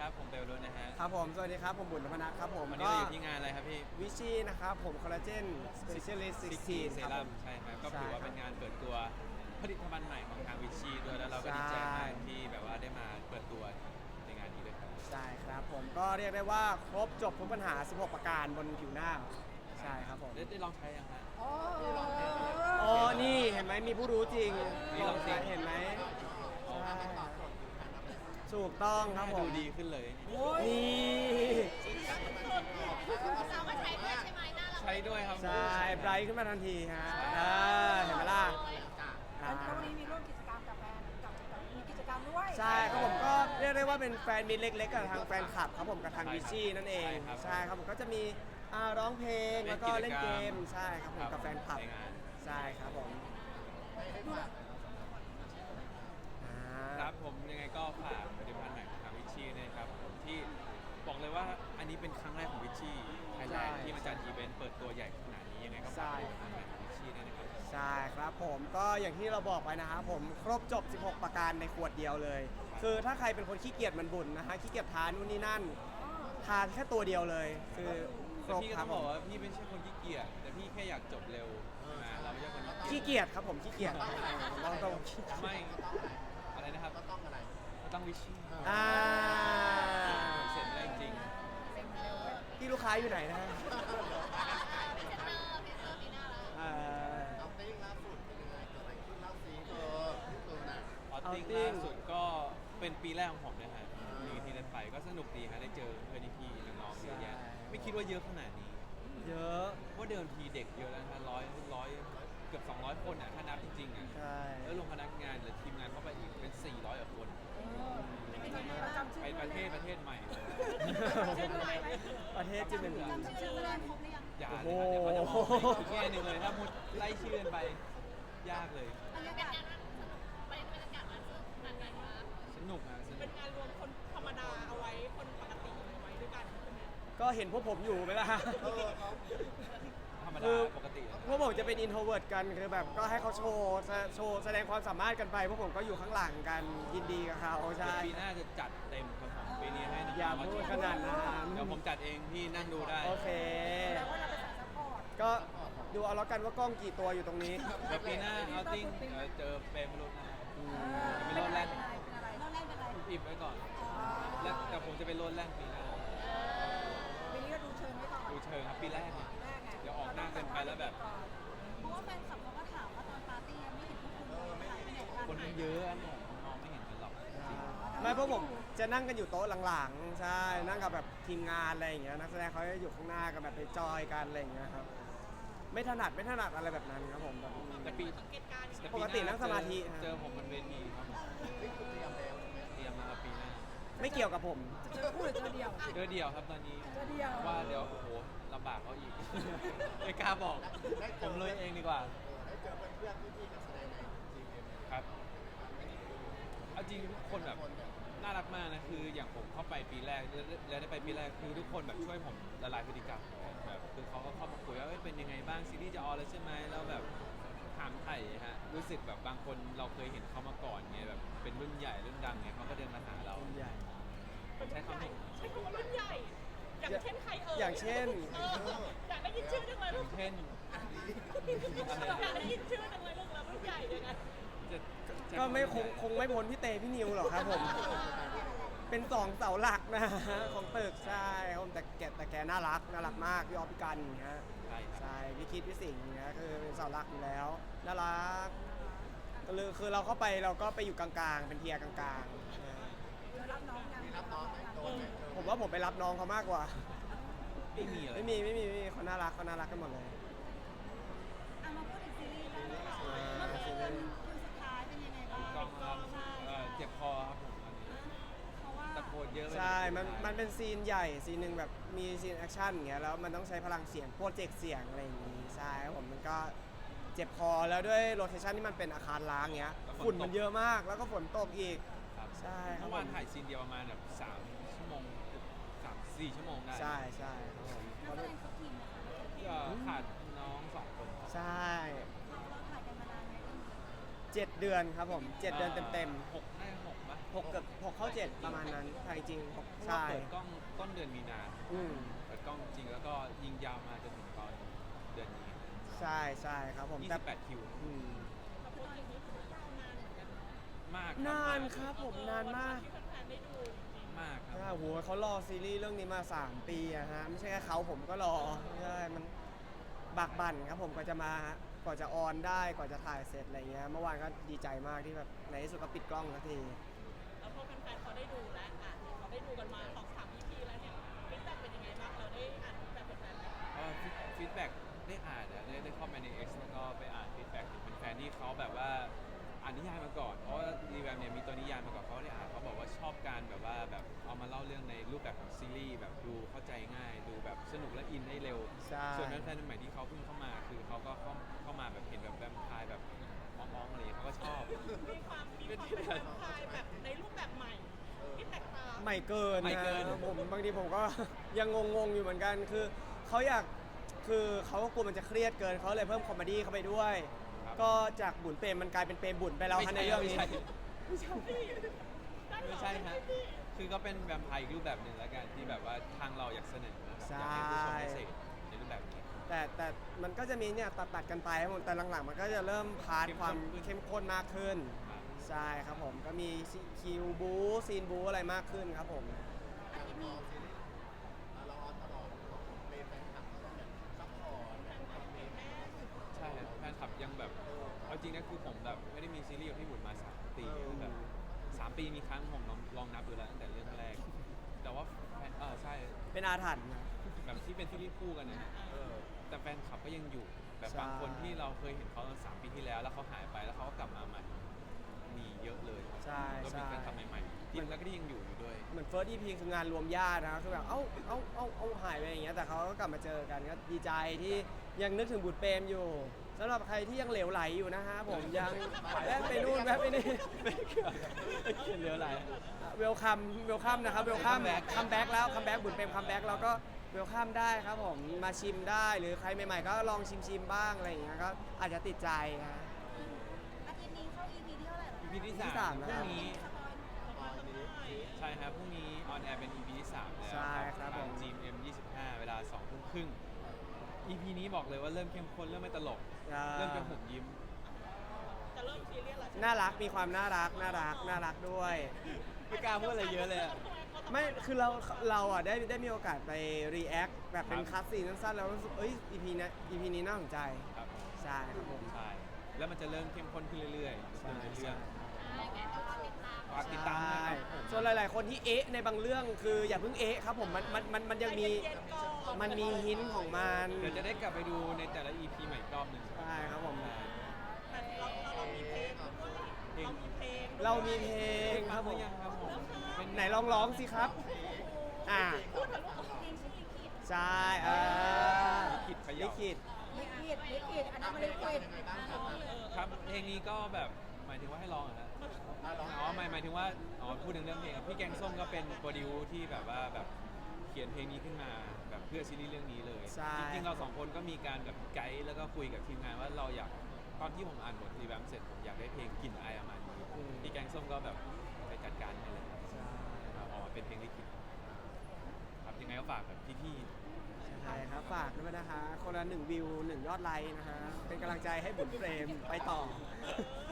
ครับผมเบลลุนนะฮะครับผมสวัสดีครับผมบุญนพนัทครับผมวันนี้เราอยู่ที่งานอะไรครับพี่วิชีนะครับผมคอลลาเจนสเปเชียลิสต์16 เซครับผมรั่มใช่ครับก็ถือว่าเป็นงานเปิดตัวผลิตภัณฑ์ใหม่ของทางวิชีด้วยแล้วเราก็ดีใจมากที่แบบว่าได้มาเปิดตัวในงานนี้ด้วยครับใช่ครับผมก็เรียกได้ว่าครบจบทุกปัญหา16ประการบนผิวหน้าใช่ครับผมได้ลองใช้ยังฮะอ๋อนี่เห็นไหมมีผู้รู้จริงนี่ลองสิเห็นไหมใช่ถูกต้องครับผดูมดีขึ้นเลยนี่เราก็ใช้ด้วยใช่ไหมหน้าเราใช้ด้วยครับใช่ไบรท์ขึ้นมาทันทีฮะเห็นไหมล่ะแล้ววันนี้มีร่วมกิจกรรมกับแฟนกับมีกิจกรรมด้วยใช่ครับผมก็เรียกได้ว่าเป็นแฟนมิตรเล็กๆกับทางแฟนคลับครับผมกับทางวิชี่นั่นเองใช่ครับผมก็จะมีร้องเพลงแล้วก็เล่นเกมใช่ครับผมกับแฟนคลับในงานใช่ครับผมครับผมยังไงก็ฝากผลิตภัณฑ์ใหม่ของทางวิชีนะครับผมที่บอกเลยว่าอันนี้เป็นครั้งแรกของวิชีไทยแลนด์ที่มาจัดอีเวนต์เปิดตัวใหญ่ขนาดนี้ยังไงก็ฝากผลิตภัณฑ์ใหม่ของวิชีด้วยนะครับใช่ครับผมก็อย่างที่เราบอกไปนะครับผมครบจบ16ประการในขวดเดียวเลย คือถ้าใครเป็นคนขี้เกียจมันบุญนะฮะขี้เกียจทานนู่นนี่นั่นทานแค่ตัวเดียวเลยคือครแต่บพี่ก็ครัต้บองผบอกมว่าพี่ไม่ใช่คนขี้เกียจแต่พี่แค่อยากจบเร็วนะเราไม่ใช่คนขี้เกียจครับผมขี้เกียจเราต้องขี้เกียจไม่อะไรนะครับก็ต้องอะไรก็ต้องวิชีอ่าเสร็จแล้วจริงที่ลูกค้าอยู่ไหนนะฮะพรีเซนเตอร์ปีหน้าแล้วเอาติ้งล่าสุดเป็นยังไงเกิดอะไรขึ้นเล่าซีที่ตัวน่ะออตติ้งล่าสุดก็เป็นปีแรกของผมนะฮะมีที่ได้ไปก็สนุกดีฮะได้เจอเพื่อนพี่ๆน้องๆเยอะแยะไม่คิดว่าเยอะขนาดนี้เยอะว่าเดิมทีเด็กเยอะแล้วนะร้อยเกือบ200 คนอ่ะถ้านับจริงๆอ่ะใช่แล้วลงพนักงานหรือทีมงานเข้าไปอีกเป็น400กว่าคนจำชื่อไปประเทศใหม่เลยชื่ออะไรไหมประเทศจะเป็นจำชื่อแรกครบหรือยังอย่าเลยนะเดี๋ยวเขาจะมองไม่อีกแง่หนึ่งเลยถ้ามุดไล่ชื่อกันไปยากเลยบรรยากาศมันสนุกบรรยากาศมันสนุกขนาดไหนคะสนุกนะสนุเป็นกงานรวมคนธรรมดาเอาไว้คนปกติเอาไว้ด้วยกันใช่ไหมก็เห็นพวกผมอยู่ไหมล่ะธรรมคืดาอปกติแล้วพวกผมจะเป็นอินโทรเวิร์ตกันคือแบบก็ให้เขาโชว์แสดงความสามารถกันไปพวกผมก็อยู่ข้างหลังกันยินดีกับเขาใช่ปีหน้าจะจัดเต็มครับผมปีนี้ให้น้องอย่าๆมาพูดจัขนาดนั้นเดี๋ยวผมจัดเองพี่นั่งดูได้โอเคแล้วว่าเราเป็นสายซัพพอร์ตก็ดูเอาแล้วกันว่ากล้องกี่ตัวอยู่ตรงนี้เดี๋ยวปีหน้าเอาติ้งเจอเปรมรุ่นนะจะเป็นรถแรกอะไรเราแรกเป็นไรอิบไว้ก่อนแล้วแต่ผมจะเป็นรถแรกปีหน้าปีนี้ก็ดูเชิญไว้ก่อนดูเชิงครับปีแรกเนี่ยแรกไงเดี๋ยวออกหน้าเกินไปแล้วแบบเพราะว่าแฟนคลับเขาก็ถามว่าตอนปาร์ตี้ไม่เห็นพวกคุณเลยหายไปไหนกันคนมันเยอะอะผมมองไม่เห็นกันหรอกจริงไม่เพราะผมจะนั่งกันอยู่โต๊ะหลังๆ ใช่ นั่งกับแบบทีมงานอะไรอย่างเงี้ยนักแสดงเขาจะอยู่ข้างหน้ากันแบบไปจอยกันอะไรอย่างเงี้ยครับไม่ถนัดอะไรแบบนั้นครับผมแบบแต่ปีเหตุการณ์แต่ปกตินั่งสมาธิเจอผมบนเวทีครับเตรียมมาปีหน้าไม่เกี่ยวกับผมเจอคู่หรือเจอเดียวเจอเดียวครับตอนนี้เจอเดียวว่าเดี๋ยวโอ้โหลำบากเขาอีก ไม่กล้าบอกผมเลยเองดีกว่าได้เจอเพื่อนๆพี่ๆนักแสดงในทีมเอ็มครับเอาจริงทุกคนแบบน่ารักมากนะคืออย่างผมเข้าไปปีแรกแล้วได้ไปปีแรกคือทุกคนแบบช่วยผมละลายพฤติกรรมแบบคือเขาก็เข้ามาคุยว่าเอ้ยเป็นยังไงบ้างซีรีส์จะออนแล้วใช่ไหมแล้วแบบถามไถ่ฮะรู้สึกแบบบางคนเราเคยเห็นเขามาก่อนไงแบบเป็นรุ่นใหญ่รุ่นดังไงเขาก็เดินมาหาเราใหญ่ใช้คำถูกใช้คำว่ารุ่นใหญ่ อย่างเช่นใครเอ่ยอย่างเช่นอยากได้ยินชื่อจังเลยอลูย่าก งเช่นอะไรอยากได้ยินชื่อจังเลยลูกแล้วรุ่นใหญ่ยังไงจะจะก็ไม่คงไม่พ้นพี่เตพี่นิวหรอกครับผม เป็นสองเสาหลักนะฮะของตึกใช่ครับผมแต่แกน่ารักมากพี่ออฟพี่กันอย่างเงี้ยใช่ครับใช่พี่คิดพี่สิงห์อย่างเงี้ยคือเป็นเสาหลักอยู่แล้วน่ารักคือเราเข้าไปเราก็ไปอยู่กลางๆ เป็นเทียร์กลางๆรับน้องยังรับน้องแต่งตัวแต่งตัวผมว่าผมไปรับน้องเขามากกว่าไม่มีเลยไม่มีเขาน่ารักกันหมดเลยอ่ะมาพูดถึงซีรีส์กันเลยค่ะอ่าเมื่อคืนคืนสุดท้ายเป็นยังไงบ้างกองครับใช่เจ็บคอครับผมตอนนี้เพราะว่าตะโกนเยอะไปใช่ มันเป็นซีนใหญ่ซีนหนึ่งแบบมีซีนแอคชั่นอย่างเงี้ยแล้วมันต้องใช้พลังเสียงโปรเจกต์เสียงอะไรอย่างงี้ใช่ครับผมมันก็เจ็บคอแล้วด้วยโลเคชั่นที่มันเป็นอาคารล้างเงี้ยฝุ่นมันเยอะมากแล้วก็ฝนตกอีกครับใช่ครับเมื่อวานถ่ายซีนเดียวประมาณแบบ3 ชั่วโมง3-4 ชั่วโมงได้ใช่ครับผมนักแสดงทุกทีมนะคะก็ขาดน้อง2 คนครับใช่เราถ่ายกันมานานไหมเรื่องนี้ 7 เดือนครับผม 7 เดือนเต็มหกได้หกปะๆ6เกือบ6เข้า 7 ประมาณนั้นถ่ายจริงเพราะใช่ว่าเปิดกล้องต้นเดือนมีนาอืมเปิดกล้องจริงแล้วก็ยิงยาวมาจนถึงตอนเดือนนี้ใช่ใช่ครับผมแต่ 28 คิวอืมแต่โปรเจกต์นี้ถือว่ายาวนานเหมือนกันเนาะมากนานครับผมนานมากที่แฟนๆได้ดูจริงมากคใช่รับโหเขารอซีรีส์เรื่องนี้มา 3 ปีอะฮะไม่ใช่แค่เขาผมก็รอใช่มันบากบั่นครับผมกว่าจะมากว่าจะออนได้กว่าจะถ่ายเสร็จอะไรเงี้ยเมื่อวานก็ดีใจมากที่แบบในที่สุดก็ปิดกล้องสักทีๆแล้วพอแฟนๆเขาได้ดูแล้วเขาได้ดูกันมา2-3 EP แล้วเนี่ยฟีดแบ็กเป็นยังไงบ้างเราได้อ่านฟีดแบ็กแฟนๆไหมฟีดแบ็กได้อ่านอะได้เข้าไปใน X แล้วก็ไปอ่านฟีดแบ็กเป็นแฟนที่เขาแบบว่าอ่านนิยายมาก่อน เพราะว่ารีแวมเนี่ยมีตัวนิยายมาก่อนเขาได้อ่านเขาบอกว่าชอบการแบบว่าแบบเอามาเล่าเรื่องในรูปแบบของซีรีส์แบบดูเข้าใจง่าย ดูแบบสนุกและอินได้เร็วใช่ส่วนแฟนๆใหม่ที่เขาเพิ่งเข้ามาคือเขาก็เข้ามาแบบเห็นแบบแวมไพร์แบบมองๆอะไรอย่างเงี้ยเขาก็ชอบมีความเป็นแฟนไทยแบบในรูปแบบใหม่ที่แตกต่างใหม่เกินใหม่เกินนะผมบางทีผมก็ ยังงงๆอยู่เหมือนกันคือเขาอยากคือเขาก็กลัวมันจะเครียดเกินเขาเลยเพิ่มคอมเมดี้เข้าไปด้วยครับก็จากบุญเปรมมันกลายเป็นเปรมบุญไปแล้วฮะในเรื่องนี้ไม่ใช่ฮะคือก็เป็นแวมไพร์อีกรูปแบบหนึ่งแล้วกันที่แบบว่าทางเราอยากเสนอนะครับใช่อยากให้ผู้ชมได้เสพในรูปแบบนี้แต่มันก็จะมีเนี่ยตัดกันไปครับผมแต่หลังๆมันก็จะเริ่มพาร์ทเข้มข้นความขึ้นเข้มข้นมากขึ้นครับใช่ครับผมก็มีคิวบูซีนบูอะไรมากขึ้นครับผมอาทิตย์นี้เราออนตลอดเป็นแฟนคลับก็แบบซัพพอร์ตแบบคอมเมนต์ใช่ครับแฟนคลับยังแบบเอาจริงนะคือผมแบบไม่ได้มีซีรีส์กับพี่บุญมา3 ปีแบบ3 ปีมีครั้งผมลองนับดูแล้วตั้งแต่เรื่องแรก แต่ว่าแฟนใช่เป็นอาถรรพ์นะแบบที่เป็นซีรีส์คู่กันนะฮะแต่แฟนคลับก็ยังอยู่แบบใช่บางคนที่เราเคยเห็นเขาตอน3 ปีที่แล้วแล้วเขาหายไปแล้วเขาก็กลับมาใหม่มีเยอะเลยใช่ก็เป็นใช่แฟนคลับใหม่ๆที่แล้วก็ที่ยังอยู่ด้วยเหมือนเฟิร์ส EP คืองานรวมญาตินะคือแบบเอาหายไปอย่างเงี้ยแต่เขาก็กลับมาเจอกันก็ดีใจที่ยังนึกถึงบุตรเปรมอยู่สำหรับใครที่ยังเหลวไหลอยู่นะฮะผมยังแวะไปนู่นแวะไปนี่เขียนเรืออะไรเวลคัมนะครับเวลคัมคัมแบ็กแล้วคัมแบ็กบุญเปรมคัมแบ็กแล้วก็เวลคัมได้ครับผมมาชิมได้หรือใครใหม่ๆก็ลองชิมบ้างอะไรอย่างเงี้ยก็อาจจะติดใจนะอาทิตย์นี้เข้า EP ที่เท่าไหร่แล้ว EP ที่ที่ 3 สามพนะรุ่ครังบนี้สปอยหน่อยใช่ครับพรุ่งนี้ออนแอร์เป็น EP ที่3แล้วใช่ครับผม GMM 25 เวลา 2 ทุ่มครึ่ง EP นี้บอกเลยว่าเริ่มเข้มข้นเริ่มไม่ตลก เริ่มจะหุบยิ้มจะเริ่มซีเรียสแล้วใช่ไหมน่ารักมีความน่ารักด้วยไม่กล้าพูดอะไรเยอะเลยอะไม่คือเราอ่ะได้มีโอกาสไปรีแอคแบบเป็นคัสซีนสั้นๆแล้วรู้สึกเอ้ย EP นี้น่าสนใจครับใช่ครับผมใช่ แล้วมันจะเริ่มเข้มข้นขึ้นเรื่อยๆใช่ในเรื่องไงก็รอติดตามฝากติดตามนะครับส่วนหลาย ๆ คนที่เอ๊ะในบางเรื่องคืออย่าเพิ่งเอ๊ะครับผมมันยังมีใจเย็นๆก่อนมันมีหินของมันเดี๋ยวจะได้กลับไปดูในแต่ละ EP ใหม่อีกรอบหนึ่งใช่ครับผมแต่เรามีเพลงด้วยเรามีเพลงเรามีเพลงครับผมยังครับผมเป็นไหนลองร้องสิครับอ่าพูดถึงลูกเพลงชื่อลิขิตใช่ลิขิตขลิยับขิตลิขิตอันนั้นมันลิขิตยังไงบ้างครับครับเพลงนี้ก็แบบหมายถึงว่าให้ร้องเหรอฮะ อ๋อหมายถึงว่าอ๋อพูดถึงเรื่องเพลงครับพี่แกงส้มก็เป็นโปรดิวที่แบบว่าแบบเขียนเพลงนี้ขึ้นมาแบบเพื่อซีรีส์เรื่องนี้เลยใช่จริงๆเรา2 คนก็มีการแบบไกด์แล้วก็คุยกับทีมงานว่าเราอยากตอนที่ผมอ่านบทรีแวมเสร็จผมอยากได้เพลงกลิ่นอายประมาณนี้พี่แกงส้มก็แบบไปจัดการให้เลยออกมาเป็นเพลงลิขิตครับยังไงก็ฝากแบบพี่ๆใช่ครับฝากด้วยนะคะ คนละ1 วิว 1 ยอดไลค์นะคะเป็นกำลังใจให้บุญเฟรมไปต่อ